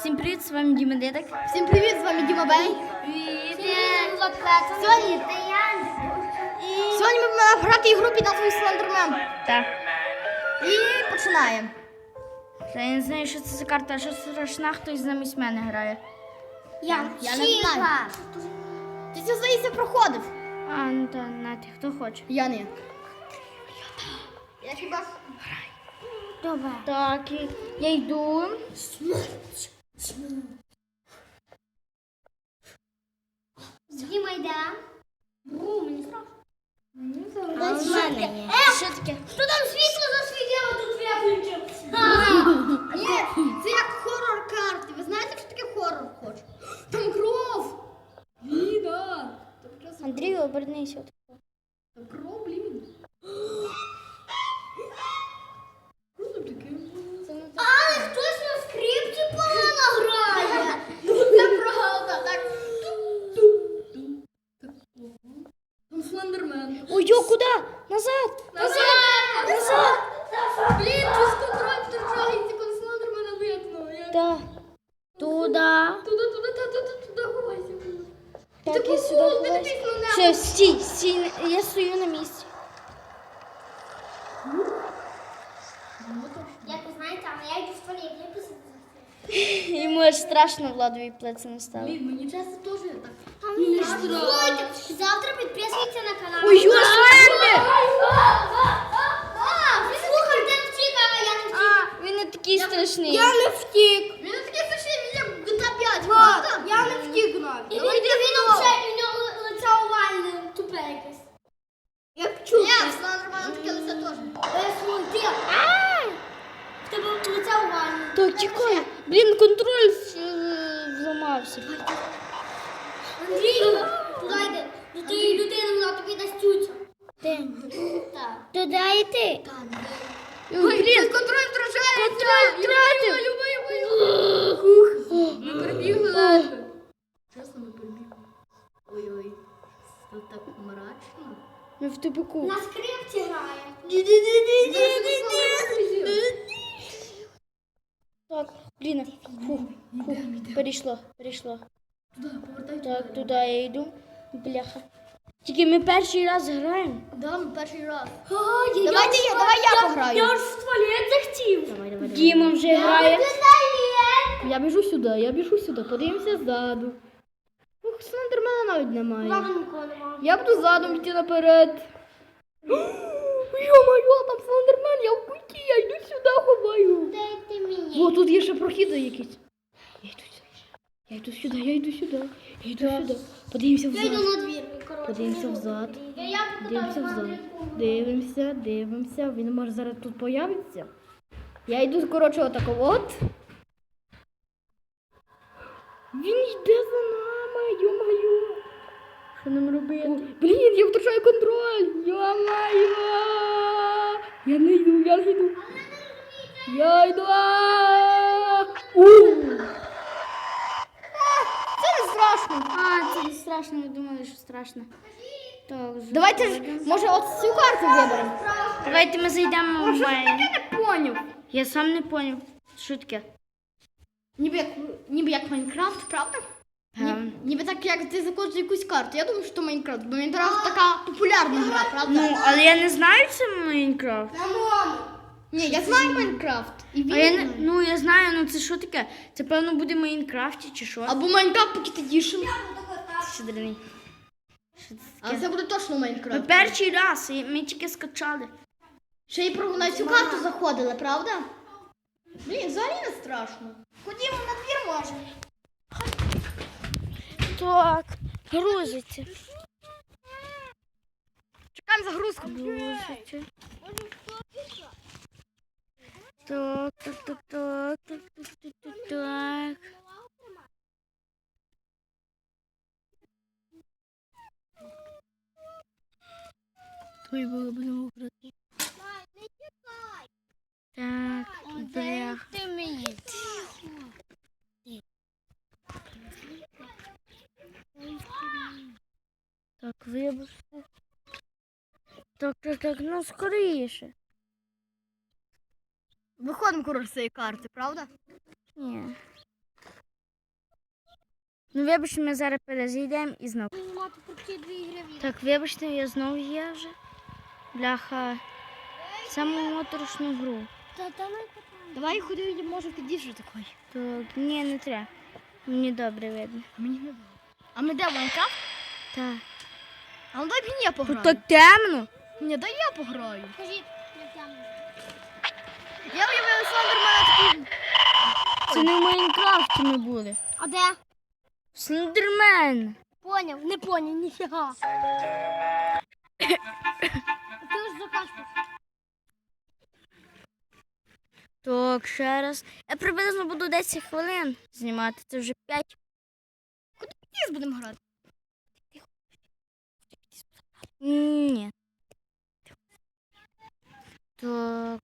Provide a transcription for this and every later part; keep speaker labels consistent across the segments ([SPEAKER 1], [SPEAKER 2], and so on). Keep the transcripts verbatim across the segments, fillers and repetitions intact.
[SPEAKER 1] Всім привіт, з вами Діма Дедик.
[SPEAKER 2] Всім привіт, з вами Діма Бей. Сьогодні, Сьогодні ми будемо грати ігру під назвою Слендермен.
[SPEAKER 1] Так.
[SPEAKER 2] І починаємо.
[SPEAKER 1] Я не знаю, що це за карта, що страшна, хтось замість мене грає.
[SPEAKER 2] Я, Я не знаю. Ти це, здається, проходив.
[SPEAKER 1] А, ну та, нати, хто хоче.
[SPEAKER 2] Я не. Я хіба...
[SPEAKER 1] Добре. Так, і я йду.
[SPEAKER 3] Діма йде. Бру, мені страшно.
[SPEAKER 1] А у мене є. Що таке?
[SPEAKER 3] Що там світло засвітило, тут виключив?
[SPEAKER 2] Ні, це як хорор карти. Ви знаєте, що таке хорор хоч? Там кров. Ліна.
[SPEAKER 1] Андрій, обернися.
[SPEAKER 2] Там кров, блін. Що там таке?
[SPEAKER 3] Але хтось на скрипці погано грає.
[SPEAKER 2] Це правда, так. Там Слендермен.
[SPEAKER 1] Ой, йо, куди? Назад!
[SPEAKER 2] Назад! Назад! Блін, без контроль втрачається, коли Слендермена видно. Я...
[SPEAKER 1] Так. Туди.
[SPEAKER 2] Туди, туди, туди, туди, туди, ховайся.
[SPEAKER 1] Так,
[SPEAKER 2] Ти
[SPEAKER 1] і сюди.
[SPEAKER 2] попов, ти
[SPEAKER 1] ховайся.
[SPEAKER 2] дивись на небо.
[SPEAKER 1] Все, стій, стій, я стою на місці.
[SPEAKER 3] Як ви знаєте, але я йду в туалет, я писати.
[SPEAKER 1] Йому аж страшно Владові плеці не стало.
[SPEAKER 2] Блін, мені часто теж так.
[SPEAKER 3] Слухайте, завтра підписуйтесь на канал.
[SPEAKER 1] Ой, йо, Слендер!
[SPEAKER 3] Слухай, ти втік, а я не втік.
[SPEAKER 1] А, він не такий страшний.
[SPEAKER 2] не втік. Він такий страшний, він як джі ті ей п'ять, правда? Я не втік навіть.
[SPEAKER 3] І він, і він вже, у нього лице овальне, тупе якесь.
[SPEAKER 2] Як чув. Ні, в Слендермена таке лице теж.
[SPEAKER 3] Е, ти. В тебе лице овальне.
[SPEAKER 1] Так, тікай. Блін, контроль е, зламався.
[SPEAKER 3] Андрій, туди йди. До тієї людини вона тобі дасть цюцю.
[SPEAKER 1] Де?
[SPEAKER 3] Так.
[SPEAKER 1] Туди йти.
[SPEAKER 2] Ой, блін, контроль втрачається.
[SPEAKER 1] Контроль втратив.
[SPEAKER 2] Ми перебігли ледве. Чесно, ми перебігли. Ой-ой, тут так мрачно.
[SPEAKER 1] Ми в тупику.
[SPEAKER 3] На скрипці грає.
[SPEAKER 1] Так, блін, фух, фух, перейшло, перейшло.
[SPEAKER 2] Туди, повертай
[SPEAKER 1] Так, туди я йду. Бляха. Тільки ми перший раз граємо.
[SPEAKER 2] Да, ми перший раз.
[SPEAKER 3] Давайте
[SPEAKER 2] Давайте я, давай я пограю.
[SPEAKER 3] Я ж в туалет захотів.
[SPEAKER 2] Давай, давай,
[SPEAKER 1] Діма вже грає.
[SPEAKER 2] Я біжу сюди, я біжу сюди, подивимося ззаду. Ух, Слендермена навіть немає.
[SPEAKER 3] Ладно, нікого немає.
[SPEAKER 2] Я буду задом йти наперед. Йо-моє, там Слендермен, я в куті, я йду сюди, ховаю.
[SPEAKER 3] Дайте мені.
[SPEAKER 2] О, тут є ще прохід якийсь. Я йду сюди. Я йду сюди, я йду сюди. Я йду сюди. Подивимося
[SPEAKER 3] Я йду
[SPEAKER 2] взад.
[SPEAKER 3] на двір. коротше,
[SPEAKER 2] Подивимося
[SPEAKER 3] мені
[SPEAKER 2] взад.
[SPEAKER 3] буде. Я, я
[SPEAKER 2] Дивимося взад. Дивимося, дивимося. Він може зараз тут появиться. Я йду, коротше, отако от. Він йде за нами, йо-моє. Що нам робити? Блін, я втрачаю контроль. Йо-моє. Я не йду, я не йду. Я йду. У! Це не страшно.
[SPEAKER 1] А, це не страшно, ви думали, що страшно. Так, вже.
[SPEAKER 2] Давайте ж, може, от цю карту виберемо.
[SPEAKER 1] Давайте ми зайдемо в онлайн.
[SPEAKER 2] Я не поняв.
[SPEAKER 1] Я сам не поняв. Що таке?
[SPEAKER 2] Ніби як, ніби як Майнкрафт, правда? Ні,
[SPEAKER 1] Ем.
[SPEAKER 2] ніби так, як ти заходиш якусь карту. Я думаю, що Майнкрафт, бо Майнкрафт така популярна гра, правда?
[SPEAKER 1] Ну, але я не знаю, це Майнкрафт.
[SPEAKER 2] Ні, я знаю Майнкрафт. І він
[SPEAKER 1] А я не,
[SPEAKER 2] знає.
[SPEAKER 1] ну я знаю, ну це що таке? Це певно буде в Майнкрафті чи що?
[SPEAKER 2] Або Майнкрафт Pocket Edition.
[SPEAKER 1] Що дрені? Що це
[SPEAKER 2] Але
[SPEAKER 1] таке?
[SPEAKER 2] це буде точно
[SPEAKER 1] Ми
[SPEAKER 2] Майнкрафт.
[SPEAKER 1] перший раз, і ми тільки скачали.
[SPEAKER 2] Ще й про на цю карту заходили, правда? Блін, взагалі не страшно. Ходімо на двір, може.
[SPEAKER 1] Так, грузиться.
[SPEAKER 2] Чекаємо загрузку.
[SPEAKER 1] Грузиться. Так, так, так, так, так, так, так, так, так. Твої було будемо грати. Так, блях.
[SPEAKER 3] Ти мені.
[SPEAKER 1] Так, вибачте. Так, так, так, ну скоріше.
[SPEAKER 2] Виходимо, коротше, з цієї карти, правда?
[SPEAKER 1] Ні. Ну, вибачте, ми зараз перезайдемо і знову.
[SPEAKER 3] Знімати про ці дві ігри.
[SPEAKER 1] Так, вибачте, я знову є вже. Бляха. Саму моторошну гру.
[SPEAKER 3] Та там
[SPEAKER 2] Давай ходи, може підійшли такий.
[SPEAKER 1] Так, ні, не треба. Мені добре видно.
[SPEAKER 2] Мені не було. А ми де Майнкрафт?
[SPEAKER 1] Так.
[SPEAKER 2] А ну дай мені я
[SPEAKER 1] Тут
[SPEAKER 2] пограю.
[SPEAKER 1] так темно.
[SPEAKER 2] Ні, дай я пограю.
[SPEAKER 3] Кажіть, як там.
[SPEAKER 2] Я уявив Слендермена такий.
[SPEAKER 1] Це не в Майнкрафті ми були.
[SPEAKER 3] А де?
[SPEAKER 1] Слендермен.
[SPEAKER 3] Поняв, не поняв, ніфіга. Ти ж закашляв.
[SPEAKER 1] Так, ще раз. Я приблизно буду десять хвилин знімати. Це вже п'ять.
[SPEAKER 2] Ні, будемо грати.
[SPEAKER 1] Ні. Так.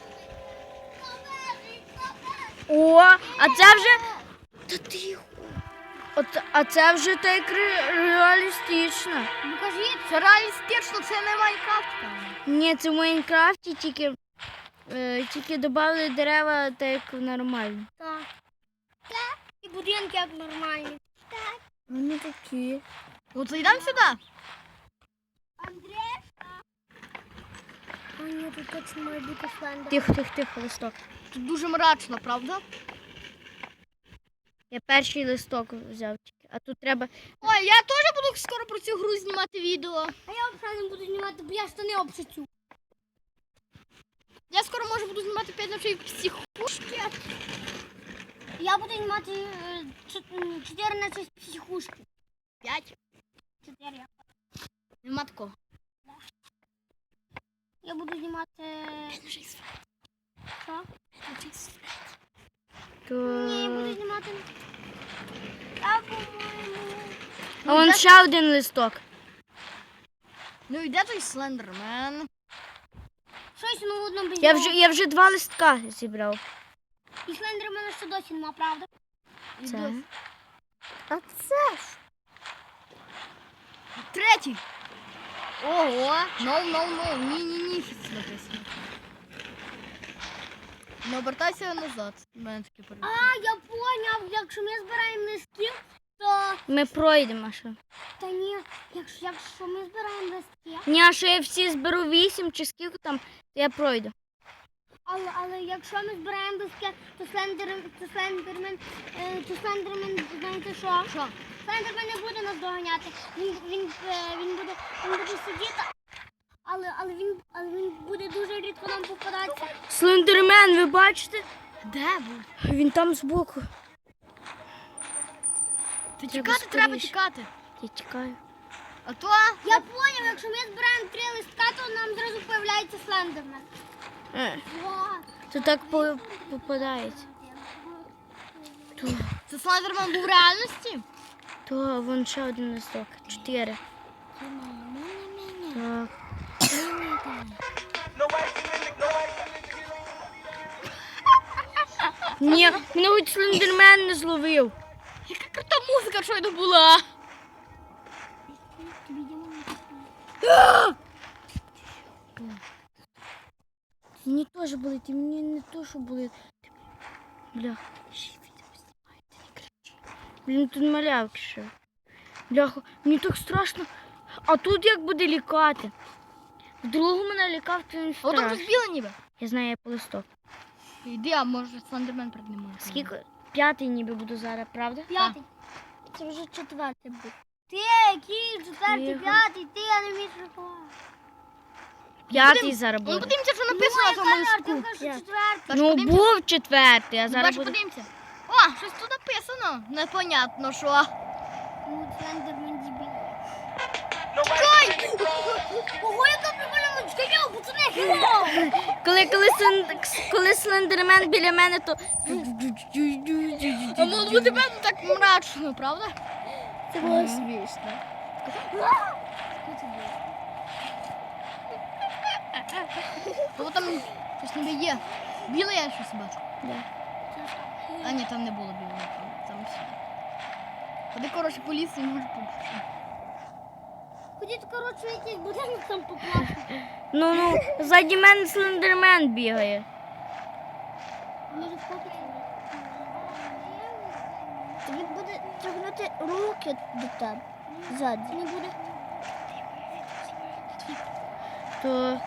[SPEAKER 1] О, а це вже. Та тихо. От, а це вже так ре- реалістично.
[SPEAKER 3] Ну кажіть.
[SPEAKER 2] Це реалістично, це не Майнкрафт. певно.
[SPEAKER 1] Ні, це в Майнкрафті тільки, е, тільки додали дерева так як нормально.
[SPEAKER 3] Так. Так. І будинки як нормальні. Так.
[SPEAKER 1] Вони такі.
[SPEAKER 2] От йдемо сюди.
[SPEAKER 3] Андрей? А ні, тут точно має бути слендер.
[SPEAKER 1] Тихо, тихо, тихо, листок.
[SPEAKER 2] Тут дуже мрачно, правда?
[SPEAKER 1] Я перший листок взяв тільки. А тут треба.
[SPEAKER 2] Ой, я теж буду скоро про цю гру знімати відео.
[SPEAKER 3] А я взагалі не буду знімати, бо я штани обшицю.
[SPEAKER 2] Я скоро може буду знімати п'ять ночей в психушки.
[SPEAKER 3] Я буду знімати е, чот- чотири на шість психушки.
[SPEAKER 2] П'ять.
[SPEAKER 3] Чотири.
[SPEAKER 2] Нема такого.
[SPEAKER 3] Я буду знімати... Що?
[SPEAKER 1] То...
[SPEAKER 3] Ні, я буду знімати... А, по-моєму...
[SPEAKER 1] А вон ще один листок.
[SPEAKER 2] Ну йде той Слендермен.
[SPEAKER 3] Щось ну одно без
[SPEAKER 1] Я
[SPEAKER 3] нього.
[SPEAKER 1] вже, я вже два листка зібрав.
[SPEAKER 3] І слендермена ще досі нема, правда?
[SPEAKER 2] І
[SPEAKER 1] Це.
[SPEAKER 2] досі.
[SPEAKER 1] А це ж.
[SPEAKER 2] Третій. Ого. No, no, no. Ні, ні, ні. Що це написано? Не обертайся назад. У мене таке
[SPEAKER 3] А,
[SPEAKER 2] перед.
[SPEAKER 3] я поняв, якщо ми збираємо листків, то...
[SPEAKER 1] Ми пройдемо ще.
[SPEAKER 3] Та ні, якщо, якщо ми збираємо листки,
[SPEAKER 1] Ні, а що я всі зберу вісім чи скільки там, то я пройду.
[SPEAKER 3] але, але якщо ми збираємо листки, то слендер, то слендермен, е, то слендермен, знаєте що?
[SPEAKER 2] Що?
[SPEAKER 3] Слендермен не буде нас доганяти. Він, він, е, він, буде, він буде сидіти, але, але, він, але він буде дуже рідко нам попадатися.
[SPEAKER 1] Слендермен, ви бачите?
[SPEAKER 2] Де був?
[SPEAKER 1] Він там збоку.
[SPEAKER 2] Та
[SPEAKER 1] Треба
[SPEAKER 2] тікати треба
[SPEAKER 1] скоріше.
[SPEAKER 2] тікати.
[SPEAKER 1] Я тікаю.
[SPEAKER 2] А то
[SPEAKER 3] Я поняв, якщо ми збираємо три листка, то нам зразу появляється слендермен.
[SPEAKER 1] Е,
[SPEAKER 3] Ва.
[SPEAKER 1] то так по- попадається. То,
[SPEAKER 2] це Слендермен був в реальності.
[SPEAKER 1] то вон ще один листок. Чотири. Так. Ні, мене хоч слендермен не зловив.
[SPEAKER 2] Яка крута музика щойно була.
[SPEAKER 1] Мені теж болить, і мені не то, що болить. Бля, ще відео знімаю, ти не кричи. Блін, тут малявки ще. Бляха, мені так страшно. А тут як буде лікати? В другому мене лікав, то він
[SPEAKER 2] А от
[SPEAKER 1] страшно.
[SPEAKER 2] тут біле ніби.
[SPEAKER 1] Я знаю, я по листок.
[SPEAKER 2] Йди, а може Слендермен перед ним.
[SPEAKER 1] Скільки? П'ятий ніби буду зараз, правда?
[SPEAKER 3] П'ятий. Це вже четвертий був. Ти, який четвертий,
[SPEAKER 1] Тихо.
[SPEAKER 3] п'ятий, ти, я не вмію рахувати.
[SPEAKER 1] П'ятий зараз
[SPEAKER 2] Ну
[SPEAKER 1] буде.
[SPEAKER 2] подивимося, що написано на тому листку.
[SPEAKER 3] Ти кажеш, що четвертий.
[SPEAKER 2] Та ж
[SPEAKER 1] Ну,
[SPEAKER 2] подивимося.
[SPEAKER 1] був четвертий, а зараз
[SPEAKER 2] Зараз
[SPEAKER 1] буде.
[SPEAKER 2] подивимося. О, щось тут написано. Непонятно, що.
[SPEAKER 3] Ну, слендермен дебіл.
[SPEAKER 2] Чекай!
[SPEAKER 3] Ого, яка прикольна музичка, йоу, пацани, хеллоу!
[SPEAKER 1] Коли, коли, слен- коли слендермен біля мене, то...
[SPEAKER 2] А може бути мене так мрачно, правда?
[SPEAKER 3] Це
[SPEAKER 1] було
[SPEAKER 3] смішно.
[SPEAKER 2] Бо там щось ніби є. Біле я щось бачу.
[SPEAKER 1] Да.
[SPEAKER 2] А ні, там не було білого. Там, там все. Ходи, коротше, по лісу і може побачити.
[SPEAKER 3] Ходіть, коротше, якийсь будинок там покласти.
[SPEAKER 1] Ну, ну, ззаді мене слендермен бігає.
[SPEAKER 3] Може, сфотити? Він буде, тягнути руки до тебе. Ззаді. Не буде.
[SPEAKER 1] То...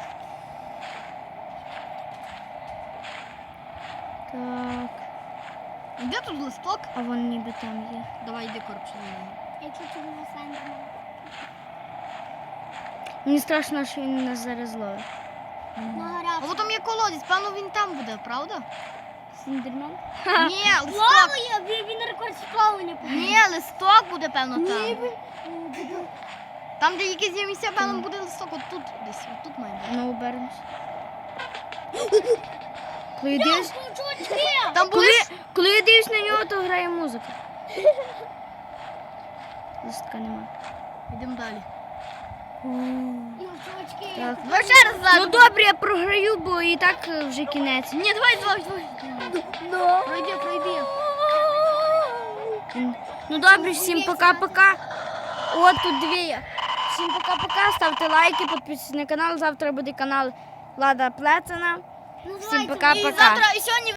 [SPEAKER 1] Так,
[SPEAKER 2] Де тут листок?
[SPEAKER 1] а вон ніби там є.
[SPEAKER 2] Давай йди коротше.
[SPEAKER 3] Якщо це була Сандермен.
[SPEAKER 1] Мені страшно, що він нас зараз зловить.
[SPEAKER 3] Нагорав.
[SPEAKER 2] А от там є колодязь, певно він там буде, правда?
[SPEAKER 1] Сіндермен?
[SPEAKER 2] Ні, листок.
[SPEAKER 3] Плаває, він, він рекорд з плавання побив.
[SPEAKER 2] Ні, листок буде, певно, там. Там, де якісь є місця, певно, буде листок. От тут десь, от тут має бути.
[SPEAKER 1] Ну, обернемось. Коли я дивлюсь,
[SPEAKER 3] Чувачки!
[SPEAKER 2] Там були...
[SPEAKER 1] коли, коли я дивлюсь на нього, то грає музика. Листка нема.
[SPEAKER 2] Йдемо далі.
[SPEAKER 3] Ну, чувачки.
[SPEAKER 1] Так.
[SPEAKER 2] Давай ще раз
[SPEAKER 1] Ну
[SPEAKER 2] ззаду.
[SPEAKER 1] добре, я програю, бо і так е, вже кінець.
[SPEAKER 2] Ні, давай, давай, давай. Пройди, пройди.
[SPEAKER 1] М. Ну добре, всім пока-пока. От тут дві. є. Всім пока-пока. Ставте лайки, підписуйтесь на канал. Завтра буде канал Влада Плецена. Всім
[SPEAKER 3] Називається
[SPEAKER 1] пока-пока.
[SPEAKER 2] І завтра, і сьогодні